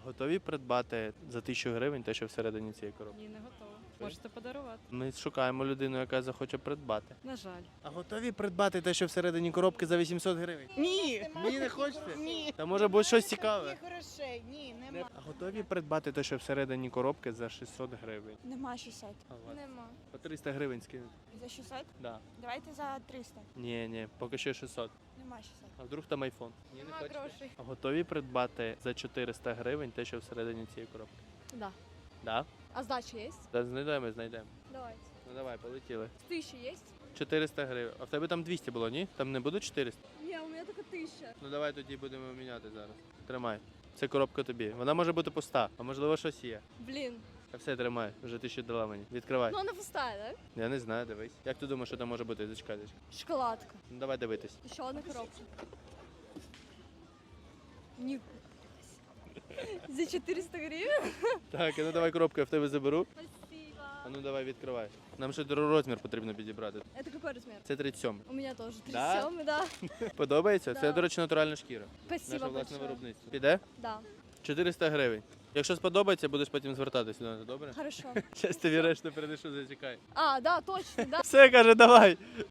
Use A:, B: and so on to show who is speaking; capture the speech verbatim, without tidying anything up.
A: Готові придбати за тисячу гривень те, що всередині цієї коробки?
B: Ні, не готова. Можете подарувати.
A: Ми шукаємо людину, яка захоче придбати.
B: На жаль.
A: А готові придбати те, що всередині коробки за вісімсот гривень?
C: Ні.
A: Ні, не хочете?
C: Ні.
A: Та може бути щось цікаве.
C: Таких грошей, ні, нема.
A: А готові придбати те, що всередині коробки за шістсот гривень?
D: Нема шістсот.
A: А у вас?
D: Нема.
A: По триста гривень скинути?
D: За шістсот?
A: Да.
D: Давайте за триста.
A: Ні, ні, поки що шістсот.
D: Нема шістсот.
A: А вдруг там айфон? Ні, не
B: Нема
A: хочете?
B: грошей.
A: А готові придбати за чотириста гривень те, що всередині цієї коробки?
E: Да.
A: Да?
E: А сдача есть?
A: Та знайдемо, знайдемо.
E: Давайте.
A: Ну давай, полетіли.
E: Тысяча есть?
A: чотириста гривень. А в тебе там двісті було, ні? Там не буде чотириста?
E: Не, у меня только тысяча.
A: Ну давай тоді будемо міняти зараз. Тримай. Це коробка тобі. Вона може бути пуста, а можливо щось є.
E: Блин.
A: А все, тримай, вже ти ще дала мені. Відкривай.
E: Ну она пустая, да?
A: Я не знаю, дивись. Як ти думаєш, що там може бути? Зачекай, зачекай.
E: Шоколадка.
A: Ну давай дивитись.
E: Еще одна коробка. Не... За четыреста гривен?
A: Так, а ну давай коробку, я в тебе заберу.
E: Спасибо.
A: А ну давай відкривай. Нам ще розмір потрібно підібрати.
E: Это какой размер?
A: Це тридцять сьомий.
E: У меня тоже.
A: Да?
E: тридцать семь, да.
A: Подобається? Це,
E: Да.
A: до речі, натуральна шкіра.
E: Спасибо
A: Наше власне
E: большое.
A: виробництво. Піде?
E: Да.
A: чотириста гривень. Якщо сподобається, будеш потім звертатися до нас, добре?
E: Хорошо.
A: Щас тобі решту передишу, зачекай.
E: А, да, точно, да.
A: Все, каже, давай.